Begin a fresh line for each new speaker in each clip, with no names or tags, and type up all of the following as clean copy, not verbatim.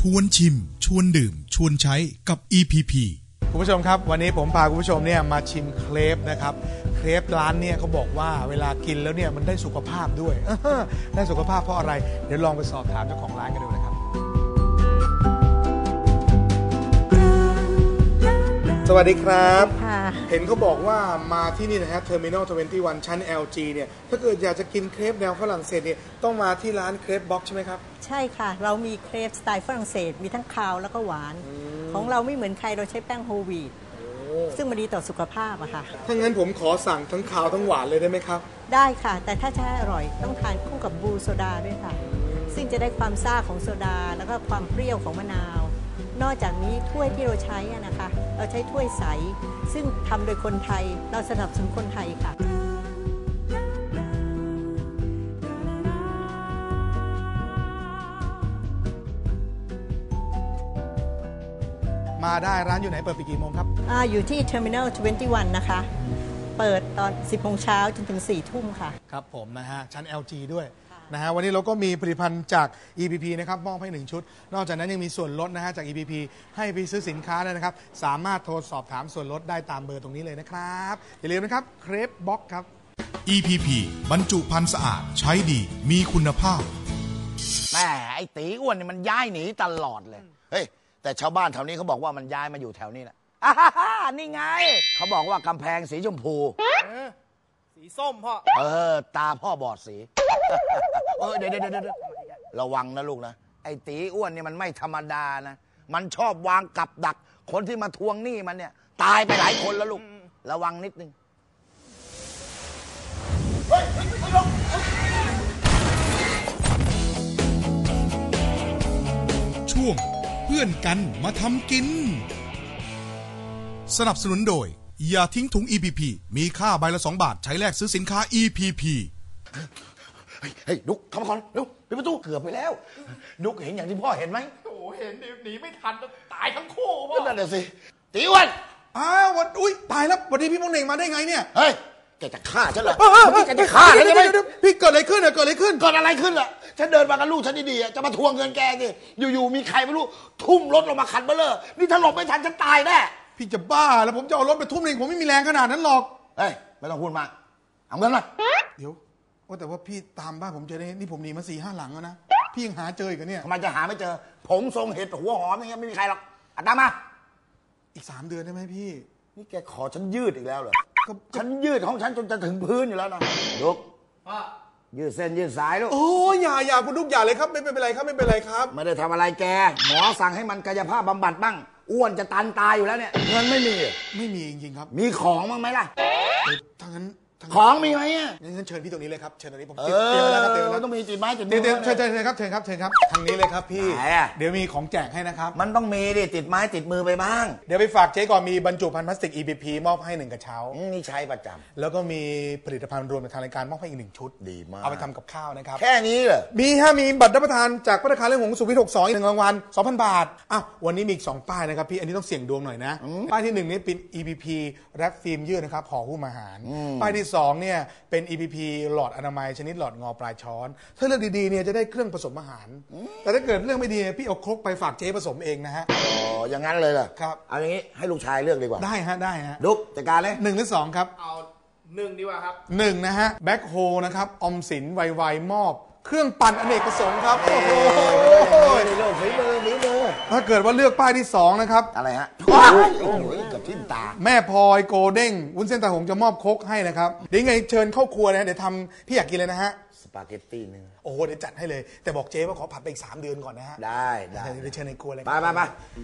วนชิมชวนดื่มชวนใช้กับ EPP
คุณผู้ชมครับวันนี้ผมพาคุณผู้ชมเนี่ยมาชิมเครปนะครับเครปร้านเนี่ยเขาบอกว่าเวลากินแล้วเนี่ยมันได้สุขภาพด้วยได้สุขภาพเพราะอะไรเดี๋ยวลองไปสอบถามเจ้าของร้านกันดูนะครับสวัสดีครับเห็นเขาบอกว่ามาที่นี่นะฮะ Terminal 21 ชั้น LG เนี่ยถ้าเกิดอยากจะกินเครปแนวฝรั่งเศสเนี่ยต้องมาที่ร้านเครปบ็อกใช่ไหมครับ
ใช่ค่ะเรามีเครปสไตล์ฝรั่งเศสมีทั้งคาวแล้วก็หวานของเราไม่เหมือนใครเราใช้แป้งโฮลวีตซึ่งมันดีต่อสุขภาพอะค่ะ
ถ้างั้นผมขอสั่งทั้งคาวทั้งหวานเลยได้ไหมครับ
ได้ค่ะแต่ถ้าจะให้อร่อยต้องทานคู่กับบลูโซดาด้วยค่ะซึ่งจะได้ความซ่าของโซดาแล้วก็ความเปรี้ยวของมะนาวนอกจากนี้ถ้วยที่เราใช้นะคะเราใช้ถ้วยใสซึ่งทำโดยคนไทยเราสนับสนุนคนไทยค่ะ
มาได้ร้านอยู่ไหนเปิดปีกี่โมงครับ
อยู่ที่ Terminal 21 นะคะเปิดตอน 10 โมงเช้าจนถึง 4 ทุ่มค่ะ
ครับผมนะฮะชั้น LG ด้วยนะฮะวันนี้เราก็มีผลิตภัณฑ์จาก EPP นะครับมอบให้1ชุดนอกจากนั้นยังมีส่วนลดนะฮะจาก EPP ให้ไปซื้อสินค้าได้นะครับสามารถโทรสอบถามส่วนลดได้ตามเบอร์ตรงนี้เลยนะครับอย่าลืมนะครับเครปบ็อกครับ
EPP บรรจุภัณฑ์สะอาดใช้ดีมีคุณภาพ
แม่ไอ้ตีอ้วนนี่มันย้ายหนีตลอดเลยเฮ้ยแต่ชาวบ้านแถวนี้เขาบอกว่ามันย้ายมาอยู่แถวนี้แหละนี่ไงเขาบอกว่ากำแพงสีชมพู
สีส้มพ่อ
ตาพ่อบอดสีเดี๋ยวระวังนะลูกนะไอ้ตีอ้วนนี่มันไม่ธรรมดานะมันชอบวางกับดักคนที่มาทวงหนี้มันเนี่ยตายไปหลายคนแล้วลูกระวังนิดนึง
ช่วงเพื่อนกันมาทำกินสนับสนุนโดยอย่าทิ้งถุง EPP มีค่าใบละ2 บาทใช้แลกซื้อสินค้า EPP
เฮ้ยดุ๊กเข้ามาก่อนเร็วปิดประตูเกือบไปแล้วดุ๊กเห็นอย่างที่พ่อเห็นไหม
โอ้เห็นหนีไม่ทันตายทั้งคู่พ่อ
นั่นแหละสิตีอ้วน
วันอุ้ยตายแล้ววันนี้พี่พงษ์เน่งมาได้ไงเนี่ย
เฮ้ยแกจะฆ่าฉันเหรอแกจะฆ่าฉันใช่ไหม
พี่เกิดอะไรขึ้นเกิดอะไรขึ้น
ล่ะฉันเดินมากับลูกฉันดีๆจะมาทวงเงินแกสิอยู่ๆมีใครไม่รู้ทุ่มรถลงมาคันเบลเลอร์นี่ถ้าหลบไม่ทันฉันตายแน่
พี่จะบ้าแล้วผมจะเอารถไปทุ่มเองผมไม่มีแรงขนาดนั้นหรอก
เฮ้ยไม่ต้องพูดมากเอาเงินมา
เดี๋ยวแต่ว่าพี่ตามบ้านผมเจอนี่ผมหนีมา4-5 หลังแล้วนะพี่ยังหาเจออีกเนี่ย
ทำไมจะหาไม่เจอผมทรงเห็ดหัวหอมอย่างเงี้ยไม่มีใครหรอกตามมา
อีก3 เดือนได้ไหมพี่
นี่แกขอฉันยืดอีกแล้วเหรอฉันยืดของฉันจนจะถึงพื้นอยู่แล้วนะลูกยืดเส้นยืดสายลูก
โอ้ยอย่าคุณลูกอย่าเลยครับไม่เป็นไรครับไม่เป็นไรครับ
ไม่ได้ทำอะไรแกหมอสั่งให้มันกายภาพบำบัดบ้างอ้วนจะตันตายอยู่แล้วเนี่ยเงินไม่มี
จริงๆครับ
มีของบ้างไหมล่ะ
ทั้งนั้น
ของมีไหม
งั้นเชิญพี่ตรงนี้เลยครับเชิญตรงนี้ผม
เตรียมแล้วครับเตรียมแล้วต้องมีจิตไม้จิตมือ
เชิญครับทางนี้เลยครับพี่เดี๋ยวมีของแจกให้นะครับ
มันต้องมีดิติดไม้ติดมือไปบ้าง
เดี๋ยวไปฝากเจ๊ก่อนมีบรรจุภัณฑ์พลาสติก EPP มอบให้1 กระเช้า
นี่ใช้ประจ
ำแล้วก็มีผลิตภัณฑ์รวมทางรายการมอบให้อีก1 ชุด
ดีมาก
เอาไปทำกับข้าวนะครับ
แค่นี้เหรอ
มีบัตรรับประทานจากภัตตาคารเรื่องของสุวิทย์62 1 รางวัล 2,000 บาทวันนี้มีอีก2 ป้ายนะครับพี่อันนี้ต้องเสี่ยงดวงหน่อยนะป้ายที่1นี่เป็น EPP แรปฟิล์มยืดนะครับห่อหุ้มอาหารป้ายที่2เนี่ยเป็น EPP หลอดอนามัยชนิดหลอดงอปลายช้อนถ้าเลือกดีๆเนี่ยจะได้เครื่องผสมอาหารแต่ถ้าเกิดเรื่องไม่ดีพี่เอาครกไปฝากเจ๊ผสมเองนะฮะ
อย่างนั้นเลยเหรอ
ครับ
เอาอย่างนี้ให้ลูกชายเลือกดีกว่า
ได้ฮะ
ดุ๊กจัดการเลย
1 หรือ 2ครับ
เอา1ดีกว่าครับ
1นะฮะแบ็คโฮนะครับอมสินไวๆมอบเครื่องปั่นอเนกประสงค์ครับโอ้โห
นี่ลูกฝีมือ
ถ้าเกิดว่าเลือกป้ายที่2นะครับ
อะไรฮะโอ้ยกับทิ่มตา
แม่พลอยโกเด้งวุ้นเส้นตาหงจะมอบครกให้นะครับเดี๋ยวไงเชิญเข้าครัวนะเดี๋ยวทำพี่อยากกินเลยนะฮะ
สปาเกตตี้เนื้อ
โอ้เดี๋ยวจัดให้เลยแต่บอกเจ๊ว่าขอผัดไปอีก3 เดือนก่อนนะฮะ
ได้
เดี๋ยวเชิญในครัวเลย
ไป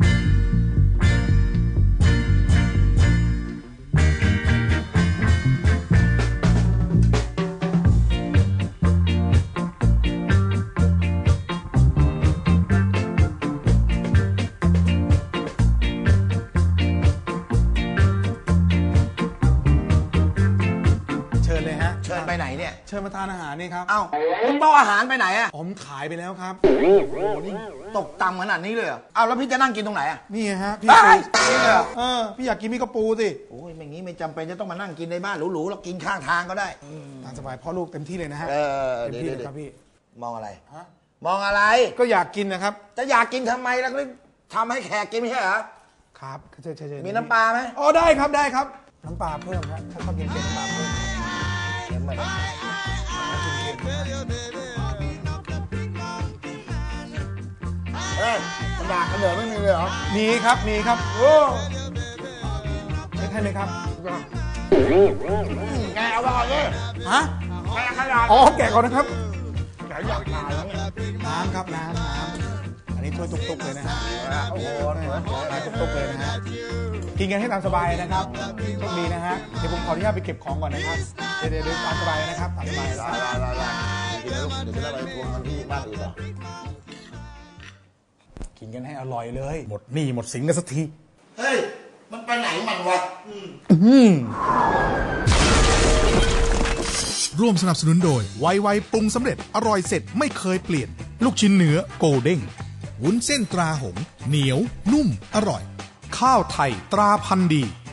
เชิญไปไหนเนี่ย
เชิญมาทานอาหารนี่ครับ
คุณโต๊ะอาหารไปไหน
ผมขายไปแล้วครับ
โอ้โหนี่ตกต่ำขนาดนี้เลยแล้วพี่จะนั่งกินตรงไหน
นี่ฮะพี่พี่อยากกินมีกระปูสิ
โอ้ยไม่งี้ไม่จำเป็นจะต้องมานั่งกินในบ้านหรูๆแล้วกินข้างทางก็ได้
ตามสบายพ่อลูกเต็มที่เลยนะฮะ
เต็มที่เลยครับพี่มองอะไรมองอะไร
ก็อยากกินนะครับ
จะอยากกินทำไมแล้วก็ทำให้แขกกินไม่ใช่เหรอ
ครับใช่
มีน้ำปลาไหม
อ๋อได้ครับได้ครับน้ำปลาเพิ่มครับถ้าชอบกินเค็มน้ำปลาเพิ่ม
เฮ้ยมันด่ากันเหนือไม่มีเลยเหรอ
มีครับมีครับโอ้ไม่ใช่ไหมครับ
ไงเอาไปก่อนเลย
ฮะ
ไงขนาด
อ๋อแกะก่อนนะครับ
ไหนอยากทานแล้วเนี่ย
น้ำครับน้ำอันนี้ถ้วยตุกๆเลยนะฮะ
โอ้โห
ตุกๆเลยนะฮะกินกันให้ตามสบายนะครับโชคดีนะฮะเดี๋ยวผมขออนุญาตไปเก็บของก่อนนะครับเดี๋ยวตามสบายนะครับตามสบาย
ได้กินนะลูกเดี๋ยวจะได้ไปทวงกันที่บ้านอื่นเหรอ
กินกันให้อร่อยเลย หมดหนี้หมดสินกันสักที
เฮ้ยมันไปไหนมันวะ
ร่วมสนับสนุนโดยไวๆปรุงสำเร็จอร่อยเสร็จไม่เคยเปลี่ยน ลูกชิ้นเนื้อโกลเด้งวุ้นเส้นตราหงส์เหนียวนุ่มอร่อย ข้าวไทยตราพันธุ์ดี